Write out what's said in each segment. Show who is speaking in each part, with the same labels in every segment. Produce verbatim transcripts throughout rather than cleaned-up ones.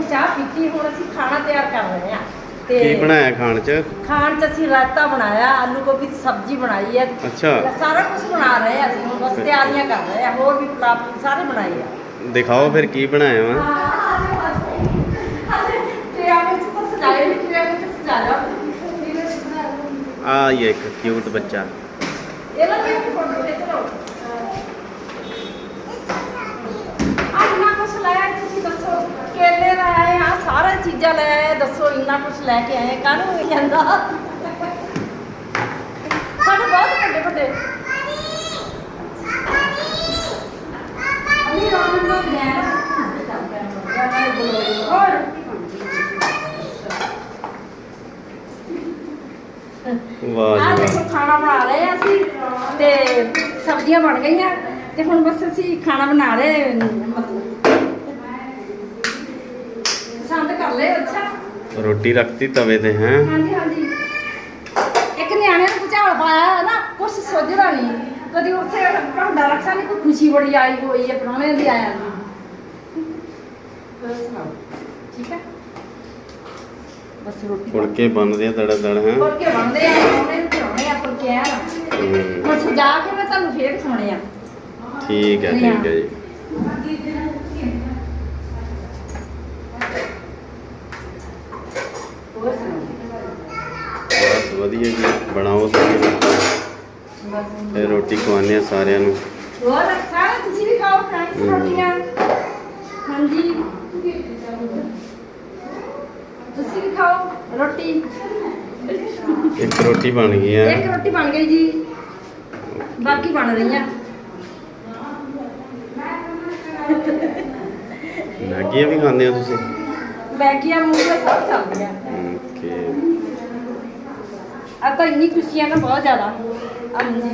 Speaker 1: ਚਾਹ ਪੀਤੀ, ਹੁਣ ਅਸੀਂ ਖਾਣਾ ਤਿਆਰ ਕਰ ਰਹੇ ਹਾਂ। ਤੇ
Speaker 2: ਕੀ ਬਣਾਇਆ ਖਾਣ ਚ?
Speaker 1: ਖਾਣ ਚ ਅਸੀਂ ਰਾਇਤਾ ਬਣਾਇਆ, ਆਲੂ ਗੋਭੀ ਦੀ ਸਬਜ਼ੀ ਬਣਾਈ ਹੈ।
Speaker 2: ਅੱਛਾ,
Speaker 1: ਸਾਰਾ ਕੁਝ ਬਣਾ ਰਹੇ ਹਾਂ ਅਸੀਂ, ਹੁਣ ਬਸ ਤਿਆਰੀਆਂ ਕਰ ਰਹੇ ਹਾਂ। ਹੋਰ ਵੀ ਪਲਾਟ ਸਾਰੇ ਬਣਾਏ ਆ।
Speaker 2: ਦਿਖਾਓ ਫਿਰ ਕੀ ਬਣਾਇਆ ਵਾ। ਆ ਇਹ ਇੱਕ ਕਿਊਟ ਬੱਚਾ।
Speaker 1: ਇੰਨਾ ਕੁਛ ਲੈ ਆਏ ਤੁਸੀਂ ਦੱਸੋ, ਕੇਲੇ ਲੈ ਆਏ ਆ, ਸਾਰਾ ਚੀਜ਼ਾਂ ਲੈ ਆਏ, ਦੱਸੋ ਇੰਨਾ ਕੁਛ ਲੈ ਕੇ ਆਏ, ਕਾਹਨੂੰ ਹੋ ਜਾਂਦਾ ਸਾਡੇ ਬਹੁਤ ਵੱਡੇ ਵੱਡੇ ਅਮੀ ਰੋਣ ਨੂੰ ਲੈ ਹੋਰ
Speaker 2: ਵਾਹ
Speaker 1: ਆ
Speaker 2: ਜੀ
Speaker 1: ਦੇਖੋ
Speaker 2: ਵਾਹ।
Speaker 1: ਖਾਣਾ ਬਣਾ ਰਹੇ ਆ ਅਸੀਂ ਤੇ ਸਬਜ਼ੀਆਂ ਬਣ ਗਈਆਂ ਤੇ ਹੁਣ ਬਸ ਅਸੀਂ ਖਾਣਾ ਬਣਾ ਰਹੇ, ਮਤਲਬ ਪਸੰਦ ਕਰ ਲਏ। ਅੱਛਾ
Speaker 2: ਰੋਟੀ ਰੱਖਤੀ ਤਵੇ ਤੇ ਹੈ।
Speaker 1: ਹਾਂਜੀ ਹਾਂਜੀ, ਇੱਕ ਨਿਆਣੇ ਨੂੰ ਭੁਚਾਲ ਪਾਇਆ ਨਾ, ਕੁਛ ਸੋਝਦਾ ਨਹੀਂ, ਕਦੀ ਉੱਥੇ ਭਾਂਡਾ ਰੱਖਾ ਨਹੀਂ, ਕੋਈ ਖੁਸ਼ੀ ਬੜੀ ਆਈ ਹੋਈ ਹੈ ਪ੍ਰਾਹੁਣੇ ਦੀ ਆਇਆ ਨੂੰ। ਸੁਣਾਓ ਠੀਕ ਹੈ, ਬਸ ਰੋਟੀ
Speaker 2: ਫੁਲਕੇ ਬਣਦੇ ਆ ਦੜਾ ਦੜ ਹੈ।
Speaker 1: ਫੁਲਕੇ ਬਣਦੇ ਆ, ਪ੍ਰਾਹੁਣੇ ਨੂੰ ਖਿਲਾਉਣੇ ਆ ਫੁਲਕੇ ਆ। ਹੁਣ ਸਜਾ ਕੇ ਮੈਂ ਤੁਹਾਨੂੰ ਫੇਰ ਦਿਖਾਉਣੇ ਆ।
Speaker 2: ਠੀਕ ਹੈ ਠੀਕ ਹੈ ਜੀ।
Speaker 1: ਹੋਰ ਸੁਣਾਓ
Speaker 2: ਬਸ ਵਧੀਆ ਜੀ, ਬਣਾਓ ਤੁਸੀਂ ਫਿਰ ਰੋਟੀ ਖਵਾਉਂਦੇ ਆ ਸਾਰਿਆਂ ਨੂੰ।
Speaker 1: ਹੋਰ ਅੱਛਾ, ਤੁਸੀਂ ਵੀ ਖਾਓ ਫਰੈਂਡਸ ਰੋਟੀਆਂ। ਹਾਂਜੀ ਤੁਸੀਂ ਵੀ ਖਾਓ ਰੋਟੀ।
Speaker 2: ਇੱਕ ਰੋਟੀ ਬਣ ਗਈ ਹੈ।
Speaker 1: ਇੱਕ ਰੋਟੀ ਬਣ ਗਈ ਜੀ, ਬਾਕੀ ਬਣ ਰਹੀਆਂ।
Speaker 2: ਮੈਗੀਆਂ ਵੀ ਖਾਂਦੇ ਹੋ ਤੁਸੀਂ?
Speaker 1: ਮੈਗੀਆਂ ਮੂੰਗੀਆਂ ਸਭ ਚੱਲਦੀਆਂ।
Speaker 2: ਓਕੇ।
Speaker 1: ਆ ਤਾਂ ਇੰਨੀ ਖੁਸ਼ੀ ਆ ਨਾ, ਬਹੁਤ ਜ਼ਿਆਦਾ। ਹਾਂਜੀ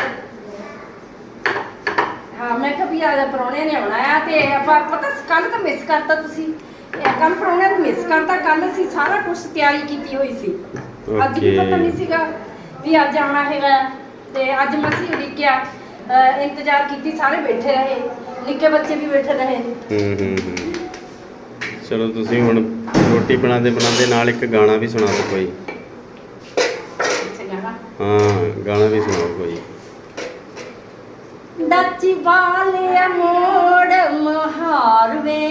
Speaker 1: ਹਾਂ, ਮੈਂ ਕਿਹਾ ਵੀ ਆ ਪ੍ਰਾਹੁਣੇ ਨੇ ਆਉਣਾ ਆ ਤੇ ਆਪਾਂ ਪਤਾ ਕੱਲ ਤਾਂ ਮਿਸ ਕਰਤਾ ਤੁਸੀਂ, ਕੱਲ ਪ੍ਰਾਹੁਣਿਆਂ ਨੂੰ ਮਿਸ ਕਰਤਾ। ਕੱਲ ਅਸੀਂ ਸਾਰਾ ਕੁਝ ਤਿਆਰੀ ਕੀਤੀ ਹੋਈ ਸੀ, ਅੱਜ ਵੀ ਪਤਾ ਨਹੀਂ ਸੀਗਾ ਵੀ ਅੱਜ ਆਉਣਾ ਹੈਗਾ। ਤੇ ਅੱਜ ਮਸੀਂ ਉਡੀਕਿਆ, ਇੰਤਜ਼ਾਰ ਕੀਤੀ, ਸਾਰੇ ਬੈਠੇ ਰਹੇ, ਨਿੱਕੇ ਬੱਚੇ ਵੀ ਬੈਠੇ ਰਹੇ।
Speaker 2: ਹੂੰ ਹੂੰ ਹੂੰ। ਚਲੋ ਤੁਸੀਂ ਹੁਣ ਰੋਟੀ ਬਣਾਉਂਦੇ ਬਣਾਉਂਦੇ ਨਾਲ ਇੱਕ ਗਾਣਾ ਵੀ ਸੁਣਾ ਦਿਓ ਕੋਈ। ਹਾਂ ਗਾਣਾ ਵੀ ਸੁਣਾਓ ਕੋਈ।
Speaker 1: ਡਾਚੀ ਵਾਲਿਆ ਮੋੜ ਮੁਹਾਰ ਵੇ,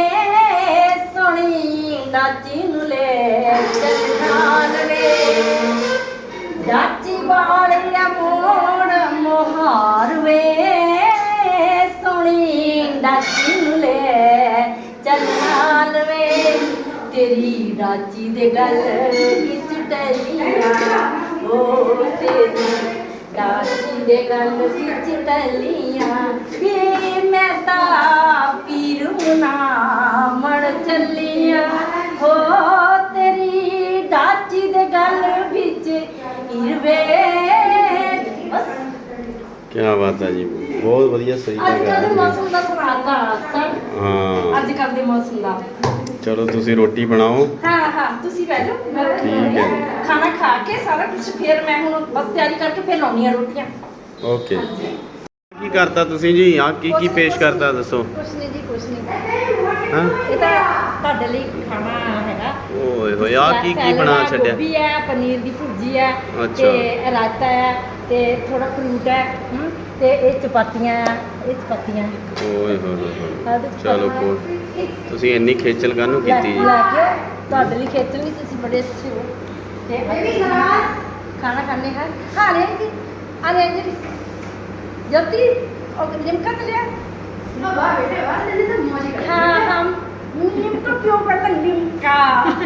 Speaker 1: ਸੋਹਣੀ ਡਾਚੀ ਨੂੰ ਲੈ ਚੱਲਣ ਵੇ। ਡਾਚੀ ਵਾਲਿਆ ਮੋੜ ਮੁਹਾਰ ਵੇ, ਸੋਹਣੀ ਡਾਚੀ ਨੂੰ ਲੈ ਚੱਲਣ ਵੇ। ਤੇਰੀ ਡਾਚੀ ਦੇ ਗਲ ਵਿੱਚ ਟਲੀਆਂ, ਓ ਤੇਰੀ ਡਾਚੀ ਦੇ ਗਲ ਵਿੱਚ ਟਲੀਆਂ ਵੇ। ਮੈਂ ਤਾਂ ਪੀਰ ਨਾ ਮੜ ਚੱਲੀਆਂ, ਹੋ ਤੇਰੀ ਡਾਚੀ ਦੇ ਗਲ ਵਿੱਚ ਹੀਰਵੇ। ਬਸ
Speaker 2: ਕੀ ਬਾਤ ਹੈ ਜੀ, ਬਹੁਤ ਵਧੀਆ ਸਹੀ
Speaker 1: ਅੱਜ ਕੱਲ੍ਹ ਦੇ
Speaker 2: ਜਗ੍ਹਾ।
Speaker 1: ਮੌਸਮ ਦਾ ਸੁਣਾਤਾ
Speaker 2: ਹਾਂ
Speaker 1: ਅੱਜ ਕੱਲ੍ਹ ਦੇ ਮੌਸਮ ਦਾ।
Speaker 2: ਚਲੋ ਤੁਸੀਂ ਰੋਟੀ ਬਣਾਓ।
Speaker 1: ਹਾਂ ਹਾਂ ਤੁਸੀਂ ਬਹਿ ਜਾਓ, ਮੈਂ ਰੋਟੀ
Speaker 2: ਠੀਕ ਹੈ।
Speaker 1: ਖਾਣਾ ਖਾ ਕੇ ਸਾਰਾ ਕੁਝ ਫਿਰ ਮੈਂ ਹੁਣ ਬਸ ਤਿਆਰੀ ਕਰਕੇ ਫਿਰ ਲਾਉਣੀ ਆ ਰੋਟੀਆਂ।
Speaker 2: ਓਕੇ। ਕੀ ਕਰਤਾ ਤੁਸੀਂ ਜੀ? ਆ ਕੀ ਕੀ ਪੇਸ਼ ਕਰਤਾ ਦੱਸੋ।
Speaker 1: ਕੁਛ ਨਹੀਂ ਜੀ, ਕੁਛ ਨਹੀਂ।
Speaker 2: ਹਾਂ
Speaker 1: ਇਹ ਤਾਂ ਤੁਹਾਡੇ ਲਈ ਖਾਣਾ ਹੈਗਾ।
Speaker 2: ਓਏ ਹੋਏ, ਆ ਕੀ ਕੀ ਬਣਾ ਛੱਡਿਆ?
Speaker 1: ਗੋਭੀ ਹੈ, ਪਨੀਰ ਦੀ ਭੁਰਜੀ ਹੈ,
Speaker 2: ਅੱਛਾ।
Speaker 1: ਤੇ ਰਾਇਤਾ ਹੈ, ਤੇ ਥੋੜਾ ਫਰੂਟ ਹੈ, ਹਮ, ਤੇ ਇਹ ਚਪਾਤੀਆਂ ਆ, ਇਹ ਚਪਾਤੀਆਂ।
Speaker 2: ਓਏ ਹੋਏ ਹੋਏ ਹੋਏ।
Speaker 1: ਆਹ ਦੇਖੋ
Speaker 2: ਚਲੋ
Speaker 1: ਖਾਣਾ।
Speaker 2: ਕੋਈ ਤੁਸੀਂ ਇੰਨੀ ਖੇਚਲ ਕਾਹਨੂੰ
Speaker 1: ਲੈ
Speaker 2: ਕੀਤੀ ਜੀ?
Speaker 1: ਲੈ ਕੇ ਤੁਹਾਡੇ ਲਈ ਖੇਚਲ ਨਹੀਂ, ਤੁਸੀਂ ਬੜੇ ਅੱਛੇ ਹੋ। ਤੇ ਅਸੀਂ ਖਾਣਾ ਖਾਣੇ ਹਾਂ। ਖਾ ਰਹੇ ਜੀ, ਆ ਰਹੇ ਜੀ ਜੋਤੀ और लिमका तो लिया ना वाह बेटे वाह ले ले तो मौज कर। हाँ हम लिमका क्यों करता लिमका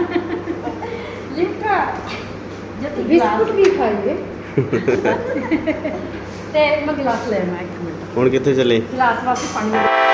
Speaker 1: लिमका जब बिस्कुट भी खाइए ते मैं गिलास लेना एक मिनट।
Speaker 2: ਹੁਣ ਕਿੱਥੇ ਚੱਲੇ?
Speaker 1: गिलास वास्ते पानी